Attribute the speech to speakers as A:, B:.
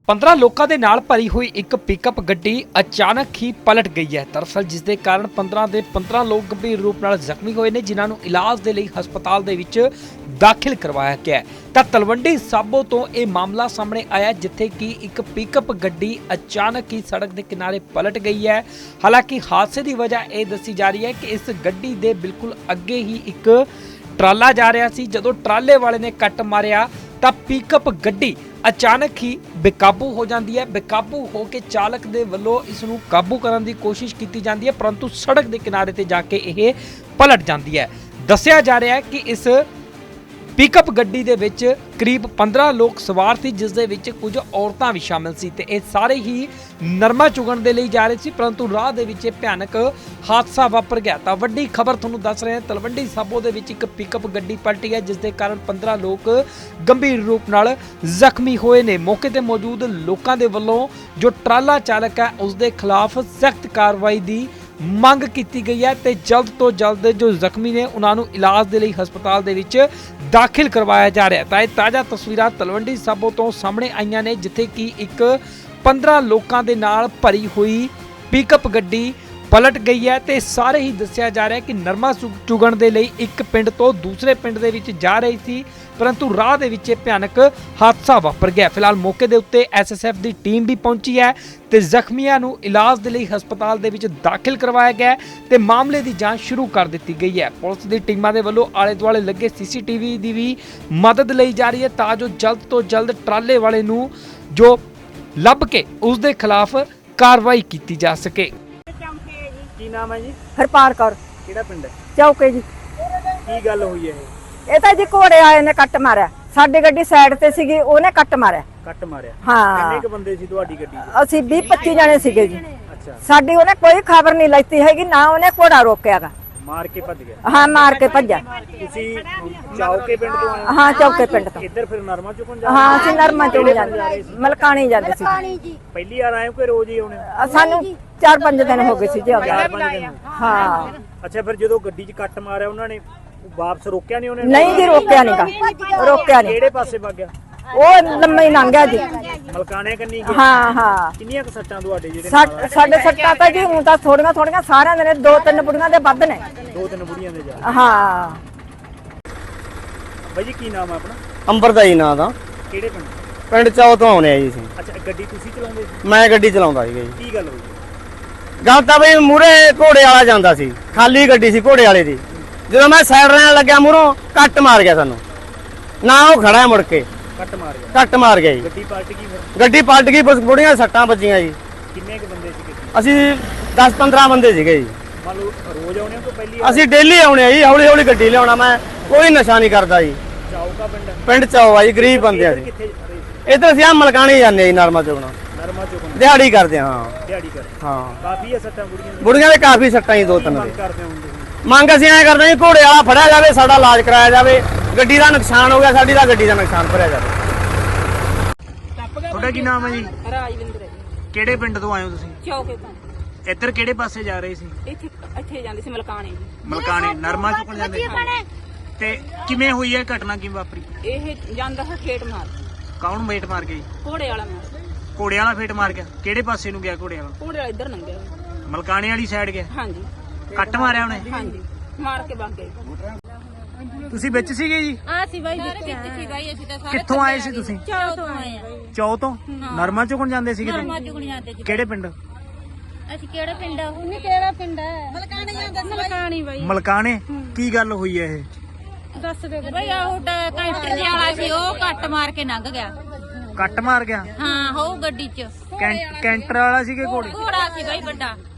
A: 15 ਲੋਕਾਂ ਦੇ ਨਾਲ ਭਰੀ ਹੋਈ ਇੱਕ ਪਿਕਅਪ ਗੱਡੀ ਅਚਾਨਕ ਹੀ ਪਲਟ ਗਈ ਹੈ। ਦਰਅਸਲ ਜਿਸ ਦੇ ਕਾਰਨ 15 ਦੇ 15 ਲੋਕ ਗੰਭੀਰ ਰੂਪ ਨਾਲ ਜ਼ਖਮੀ ਹੋਏ ਨੇ, ਜਿਨ੍ਹਾਂ ਨੂੰ ਇਲਾਜ ਦੇ ਲਈ ਹਸਪਤਾਲ ਦੇ ਵਿੱਚ ਦਾਖਲ ਕਰਵਾਇਆ ਗਿਆ ਹੈ। ਤਾਂ ਤਲਵੰਡੀ ਸਾਬੋ ਤੋਂ ਇਹ ਮਾਮਲਾ ਸਾਹਮਣੇ ਆਇਆ, ਜਿੱਥੇ ਕਿ ਇੱਕ ਪਿਕਅਪ ਗੱਡੀ ਅਚਾਨਕ ਹੀ ਸੜਕ ਦੇ ਕਿਨਾਰੇ ਪਲਟ ਗਈ ਹੈ। ਹਾਲਾਂਕਿ ਹਾਦਸੇ ਦੀ ਵਜ੍ਹਾ ਇਹ ਦੱਸੀ ਜਾ ਰਹੀ ਹੈ ਕਿ ਇਸ ਗੱਡੀ ਦੇ ਬਿਲਕੁਲ ਅੱਗੇ ਹੀ ਇੱਕ ਟਰਾਲਾ ਜਾ ਰਿਹਾ ਸੀ। ਜਦੋਂ ਟਰਾਲੇ ਵਾਲੇ ਨੇ ਕੱਟ ਮਾਰਿਆ ਤਾਂ ਪਿਕਅਪ ਗੱਡੀ ਅਚਾਨਕ ਹੀ ਬੇਕਾਬੂ ਹੋ ਜਾਂਦੀ ਹੈ। ਬੇਕਾਬੂ ਹੋ ਕੇ ਚਾਲਕ ਦੇ ਵੱਲੋਂ ਇਸ ਨੂੰ ਕਾਬੂ ਕਰਨ ਦੀ ਕੋਸ਼ਿਸ਼ ਕੀਤੀ ਜਾਂਦੀ ਹੈ, ਪਰੰਤੂ ਸੜਕ ਦੇ ਕਿਨਾਰੇ ਤੇ ਜਾ ਕੇ ਇਹ ਪਲਟ ਜਾਂਦੀ ਹੈ। ਦੱਸਿਆ ਜਾ ਰਿਹਾ ਹੈ ਕਿ ਇਸ ਪਿਕਅਪ ਗੱਡੀ ਦੇ ਵਿੱਚ ਕਰੀਬ 15 ਲੋਕ ਸਵਾਰ ਸੀ, ਜਿਸ ਦੇ ਵਿੱਚ ਕੁਝ ਔਰਤਾਂ ਵੀ ਸ਼ਾਮਿਲ ਸੀ ਤੇ ਇਹ ਸਾਰੇ ਹੀ ਨਰਮਾ ਚੁਗਣ ਦੇ ਲਈ ਜਾ ਰਹੇ ਸੀ, ਪਰੰਤੂ ਰਾਹ ਦੇ ਵਿੱਚ ਭਿਆਨਕ ਹਾਦਸਾ ਵਾਪਰ ਗਿਆ। ਤਾਂ ਵੱਡੀ ਖਬਰ ਤੁਹਾਨੂੰ ਦੱਸ ਰਹੇ ਹਾਂ, ਤਲਵੰਡੀ ਸਾਬੋ ਦੇ ਵਿੱਚ ਇੱਕ ਪਿਕਅਪ ਗੱਡੀ ਪਲਟੀ ਹੈ, ਜਿਸ ਦੇ ਕਾਰਨ 15 ਲੋਕ ਗੰਭੀਰ ਰੂਪ ਨਾਲ ਜ਼ਖਮੀ ਹੋਏ ਨੇ। ਮੌਕੇ ਤੇ ਮੌਜੂਦ ਲੋਕਾਂ ਦੇ ਵੱਲੋਂ ਜੋ ਟਰਾਲਾ ਚਾਲਕ ਹੈ ਉਸ ਦੇ ਖਿਲਾਫ ਸਖਤ ਕਾਰਵਾਈ ਦੀ ਮੰਗ ਕੀਤੀ ਗਈ ਹੈ ਤੇ ਜਲਦ ਤੋਂ ਜਲਦ ਜੋ ਜ਼ਖਮੀ ਨੇ ਉਹਨਾਂ ਨੂੰ ਇਲਾਜ ਦੇ ਲਈ ਹਸਪਤਾਲ ਦੇ ਵਿੱਚ ਦਾਖਲ ਕਰਵਾਇਆ ਜਾ ਰਿਹਾ ਹੈ। ਤਾਂ ਇਹ ਤਾਜ਼ਾ ਤਸਵੀਰਾਂ ਤਲਵੰਡੀ ਸਾਬੋ ਤੋਂ ਸਾਹਮਣੇ ਆਈਆਂ ਨੇ, ਜਿੱਥੇ ਕਿ ਇੱਕ 15 ਲੋਕਾਂ ਦੇ ਨਾਲ ਭਰੀ ਹੋਈ ਪਿਕਅਪ ਗੱਡੀ ਪਲਟ ਗਈ ਹੈ ਤੇ ਸਾਰੇ ਹੀ ਦੱਸਿਆ ਜਾ ਰਿਹਾ ਹੈ ਕਿ ਨਰਮਾ ਚੁਗਣ ਦੇ ਲਈ ਇੱਕ ਪਿੰਡ ਤੋਂ ਦੂਸਰੇ ਪਿੰਡ ਦੇ ਵਿੱਚ ਜਾ ਰਹੀ ਸੀ, ਪਰੰਤੂ ਰਾਹ ਦੇ ਵਿੱਚ ਭਿਆਨਕ ਹਾਦਸਾ ਵਾਪਰ ਗਿਆ। ਫਿਲਹਾਲ ਮੌਕੇ ਦੇ ਉੱਤੇ ਐਸਐਸਐਫ ਦੀ ਟੀਮ ਵੀ ਪਹੁੰਚੀ ਹੈ ਤੇ ਜ਼ਖਮੀਆਂ ਨੂੰ ਇਲਾਜ ਦੇ ਲਈ ਹਸਪਤਾਲ ਦੇ ਵਿੱਚ ਦਾਖਲ ਕਰਵਾਇਆ ਗਿਆ ਤੇ ਮਾਮਲੇ ਦੀ ਜਾਂਚ ਸ਼ੁਰੂ ਕਰ ਦਿੱਤੀ ਗਈ ਹੈ। ਪੁਲਿਸ ਦੀ ਟੀਮਾਂ ਦੇ ਵੱਲੋਂ ਆਲੇ ਦੁਆਲੇ ਲੱਗੇ ਸੀਸੀਟੀਵੀ ਦੀ ਵੀ ਮਦਦ ਲਈ ਜਾ ਰਹੀ ਹੈ, ਤਾਂ ਜੋ ਜਲਦ ਤੋਂ ਜਲਦ ਟਰਾਲੇ ਵਾਲੇ ਨੂੰ ਜੋ ਲੱਭ ਕੇ ਉਸ ਦੇ ਖਿਲਾਫ ਕਾਰਵਾਈ ਕੀਤੀ ਜਾ ਸਕੇ।
B: ਕੀ ਨਾਮ ਹੈ ਜੀ?
C: ਹਰਪਾਲ ਕੌਰ।
B: ਕਿਹੜਾ ਪਿੰਡ ਹੈ?
C: ਚੌਕੇ ਜੀ।
B: ਕੀ ਗੱਲ ਹੋਈ ਹੈ
C: ਇਹ ਤਾਂ ਜੀ ਘੋੜੇ ਆਏ ਨੇ ਕੱਟ ਮਾਰਿਆ, ਸਾਡੀ ਗੱਡੀ ਸਾਈਡ ਤੇ ਸੀਗੀ, ਉਹਨੇ ਕੱਟ ਮਾਰਿਆ।
B: ਕੱਟ ਮਾਰਿਆ?
C: ਹਾਂ।
B: ਕਿੰਨੇ ਕੁ ਬੰਦੇ ਸੀ ਤੁਹਾਡੀ ਗੱਡੀ 'ਚ?
C: ਅਸੀਂ 20-25 ਜਣੇ ਸੀਗੇ ਜੀ।
B: ਅੱਛਾ।
C: ਸਾਡੀ ਉਹਨੇ ਕੋਈ ਖਬਰ ਨਹੀਂ ਲੈਤੀ ਹੈਗੀ, ਨਾ ਉਹਨੇ ਘੋੜਾ ਰੋਕਿਆਗਾ।
B: ਮਾਰ ਕੇ ਭੱਜ ਗਿਆ?
C: ਹਾਂ, ਮਾਰ ਕੇ ਭੱਜਿਆ।
B: ਤੁਸੀਂ ਚੌਕੇ ਪਿੰਡ ਤੋਂ ਆਏ ਹੋ?
C: ਹਾਂ, ਚੌਕੇ ਪਿੰਡ ਤੋਂ।
B: ਇੱਧਰ ਫਿਰ ਨਰਮਾ ਚੁਕਣ ਜਾ?
C: ਹਾਂ, ਅਸੀਂ ਨਰਮਾ ਚੁਗਣ ਜਾਂਦੇ, ਮਲਕਾਣੀ ਜਾਂਦੇ ਸੀ।
B: ਪਹਿਲੀ ਵਾਰ ਆਏ ਹੋ ਕਿ ਰੋਜ਼ ਹੀ ਆਉਣੇ?
C: ਸਾਨੂੰ 4-5 ਦਿਨ ਹੋ ਗਏ ਸੀ ਜੀ।
B: 4-5 ਦਿਨ?
C: ਹਾਂ।
B: ਅੱਛਾ, ਫਿਰ ਜਦੋਂ ਗੱਡੀ 'ਚ ਕੱਟ ਮਾਰਿਆ ਉਹਨਾਂ ਨੇ ਵਾਪਸ ਰੋਕਿਆ ਨਹੀਂ? ਉਹਨੇ
C: ਨਹੀਂ ਜੀ, ਰੋਕਿਆ ਨਹੀਂਗਾ, ਰੋਕਿਆ ਨਹੀਂ।
B: ਕਿਹੜੇ ਪਾਸੇ ਵਗ ਗਿਆ?
C: ਉਹ ਲੰਮਾ ਹੀ ਲੰਘ ਗਿਆ ਜੀ।
B: ਮਲਕਾਣੇ ਕੰਨੀ ਗਿਆ?
C: ਹਾਂ ਹਾਂ।
B: ਕਿੰਨੀਆਂ ਕੁ ਸੱਟਾਂ ਤੁਹਾਡੇ ਜਿਹੜੇ?
C: ਸਾਡੇ ਸੱਟਾਂ ਤਾਂ ਜੀ ਹੁਣ ਤਾਂ ਥੋੜੀਆਂ ਸਾਰਿਆਂ ਦੇ ਨੇ, 2-3 ਬੁੜੀਆਂ ਦੇ ਵੱਧ ਨੇ।
B: 2-3 ਬੁੜੀਆਂ ਦੇ ਜਾ?
C: ਹਾਂ।
B: ਬਾਈ ਜੀ ਕੀ ਨਾਮ ਹੈ ਆਪਣਾ?
D: ਅੰਬਰਦਾਈ ਨਾਂ ਦਾ।
B: ਕਿਹੜੇ ਪਿੰਡ?
D: ਪਿੰਡ ਚੌ ਤੋਂ ਆਉਣੇ ਆ ਜੀ ਅਸੀਂ।
B: ਅੱਛਾ, ਗੱਡੀ ਤੁਸੀਂ ਚਲਾਉਂਦੇ ਸੀ?
D: ਮੈਂ ਗੱਡੀ ਚਲਾਉਂਦਾ ਸੀਗਾ ਜੀ।
B: ਕੀ ਗੱਲ ਹੋਈ?
D: ਗੱਲ ਤਾਂ ਬਈ ਮੂਰੇ ਘੋੜੇ ਵਾਲਾ ਜਾਂਦਾ ਸੀ, ਖਾਲੀ ਗੱਡੀ ਸੀ ਘੋੜੇ ਵਾਲੇ ਦੀ। ਜਦੋਂ ਮੈਂ ਸਾਈਡ ਰਹਿਣ ਲੱਗਿਆ ਮੂਹਰੋਂ ਕੱਟ ਮਾਰ ਗਿਆ ਸਾਨੂੰ, ਨਾ ਉਹ ਖੜਾ ਹੈ ਮੁੜ ਕੇ।
B: ਕੱਟ ਮਾਰ ਗਿਆ?
D: ਕੱਟ ਮਾਰ ਗਿਆ ਜੀ।
B: ਗੱਡੀ ਪਲਟ ਗਈ ਫਿਰ?
D: ਗੱਡੀ ਪਲਟ ਗਈ, ਬੁੜੀਆਂ ਸੱਟਾਂ ਵੱਜੀਆਂ ਜੀ।
B: ਕਿੰਨੇ ਕੁ ਬੰਦੇ ਸੀ?
D: ਅਸੀਂ 10-15 ਬੰਦੇ ਸੀਗੇ ਜੀ।
B: ਮੰਨ ਲਓ ਰੋਜ਼ ਆਉਣੇ ਤੋਂ ਪਹਿਲੀ
D: ਅਸੀਂ ਡੇਲੀ ਆਉਣੇ ਆ ਜੀ, ਹੌਲੀ ਹੌਲੀ ਗੱਡੀ ਲਿਆਉਣਾ। ਮੈਂ ਕੋਈ ਨਸ਼ਾ ਨਹੀਂ ਕਰਦਾ ਜੀ।
B: ਚਾਉਕਾ ਪਿੰਡ?
D: ਪਿੰਡ ਚੌ ਆ ਜੀ, ਗਰੀਬ ਬੰਦੇ ਆ ਜੀ।
B: ਕਿੱਥੇ ਰਹੇ ਸੀ?
D: ਇੱਧਰ ਅਸੀਂ ਆ ਮਲਕਾਣੇ ਜਾਂਦੇ ਜੀ, ਨਰਮਾ ਚੁਗਣਾ।
B: ਨਰਮਾ ਚੁਗਣ
D: ਦਿਹਾੜੀ ਕਰਦੇ ਹਾਂ।
B: ਦਿਹਾੜੀ ਕਰ?
D: ਹਾਂ।
B: ਕਾਫੀ ਆ ਸੱਟਾਂ ਬੁੜੀਆਂ ਦੀਆਂ?
D: ਬੁੜੀਆਂ ਦੇ ਕਾਫੀ ਸੱਟਾਂ ਜੀ, 2-3
B: ਮੰਗ
D: ਦੇ।
B: ਕਰਦੇ ਹੁੰਦੇ ਸੀ?
D: ਮੰਗ ਅਸੀਂ ਐਂ ਕਰਦੇ ਜੀ, ਘੋੜੇ ਵਾਲਾ ਫੜਿਆ ਜਾਵੇ, ਸਾਡਾ ਇਲਾਜ ਕਰਾਇਆ ਜਾਵੇ। ਗੱਡੀ ਦਾ ਨੁਕਸਾਨ ਹੋ ਗਿਆ, ਸਾਡੀ ਦਾ ਗੱਡੀ ਦਾ ਨੁਕਸਾਨ ਭਰਿਆ ਜਾਵੇ।
B: ਤੁਹਾਡਾ ਕੀ ਨਾਮ ਹੈ ਜੀ?
E: ਰਾਜਵਿੰਦਰ ਹੈ ਜੀ।
B: ਕਿਹੜੇ ਪਿੰਡ ਤੋਂ ਆਏ ਹੋ ਤੁਸੀਂ?
E: ਚੌਕੇ ਤੋਂ।
B: ਇੱਧਰ ਕਿਹੜੇ ਪਾਸੇ ਜਾ ਰਹੇ ਸੀ?
E: ਇੱਥੇ ਜਾਂਦੇ ਸੀ ਮਲਕਾਣੇ ਜੀ।
B: ਮਲਕਾਣੇ ਨਰਮਾ ਚੁਗਣ ਜਾਂਦੇ ਸੀ? ਤੇ ਕਿਵੇਂ ਹੋਈ ਹੈ ਘਟਨਾ, ਕਿਵੇਂ ਵਾਪਰੀ?
E: ਇਹ ਜਾਂਦਾ ਹੈ ਫੇਟ ਮਾਰ,
B: ਕੌਣ ਮੇਟ ਮਾਰ ਗਿਆ ਜੀ?
E: ਘੋੜੇ ਵਾਲਾ ਮਾਰ।
B: ਘੋੜੇ ਵਾਲਾ ਫੇਟ ਮਾਰ ਗਿਆ? ਕਿਹੜੇ ਪਾਸੇ ਨੂੰ ਗਿਆ ਘੋੜੇ ਵਾਲਾ?
E: ਘੋੜੇ ਵਾਲਾ ਇੱਧਰ ਲੰਘਿਆ।
B: ਮਲਕਾਣੇ ਵਾਲੀ ਸਾਈਡ ਗਿਆ?
E: ਹਾਂਜੀ
B: ਕੱਟ ਮਾਰਿਆ ਉਹਨੇ?
E: ਹਾਂਜੀ, ਮਾਰ ਕੇ ਵਗ ਗਏ।
B: ਤੁਸੀਂ ਵਿੱਚ ਸੀਗੇ ਜੀ?
F: ਆ ਸੀ ਬਾਈ
E: ਸਾਰੇ ਵਿੱਚ ਸੀ ਬਾਈ, ਅਸੀਂ ਤਾਂ ਸਾਰੇ
B: ਕਿੱਥੋਂ ਆਏ ਸੀ ਤੁਸੀਂ?
F: ਚੌ ਤੋਂ ਆਏ ਆ।
B: ਚੌ ਤੋਂ? ਨਰਮਾ ਚੁਗਣ ਜਾਂਦੇ ਸੀਗੇ ਤੁਸੀਂ?
F: ਨਰਮਾ ਚੁਗਣ ਜਾਂਦੇ ਜੀ।
B: ਕਿਹੜੇ ਪਿੰਡ?
F: ਅਸੀਂ ਕਿਹੜਾ ਪਿੰਡ ਆ? ਉਹਨੇ ਕਿਹੜਾ ਪਿੰਡ ਹੈ? ਮਲਕਾਣੀ ਜਾਂਦਾ ਸੀ। ਮਲਕਾਣੀ ਬਾਈ।
B: ਮਲਕਾਣੇ? ਕੀ ਗੱਲ ਹੋਈ ਹੈ ਇਹ?
F: ਦੱਸ ਦੇ ਬਾਈ। ਆਹ ਕੈਂਟਰ ਜਿਹਾ ਵਾਲਾ ਸੀ, ਉਹ ਕੱਟ ਮਾਰ ਕੇ ਲੰਘ ਗਿਆ।
B: ਕੱਟ ਮਾਰ ਗਿਆ?
F: ਹਾਂ, ਹੋ ਗੱਡੀ 'ਚ
B: ਕੈਂਟਰ ਵਾਲਾ ਸੀਗੇ ਘੋੜੇ?
F: ਘੋੜਾ ਸੀ ਬਾਈ ਵੱਡਾ।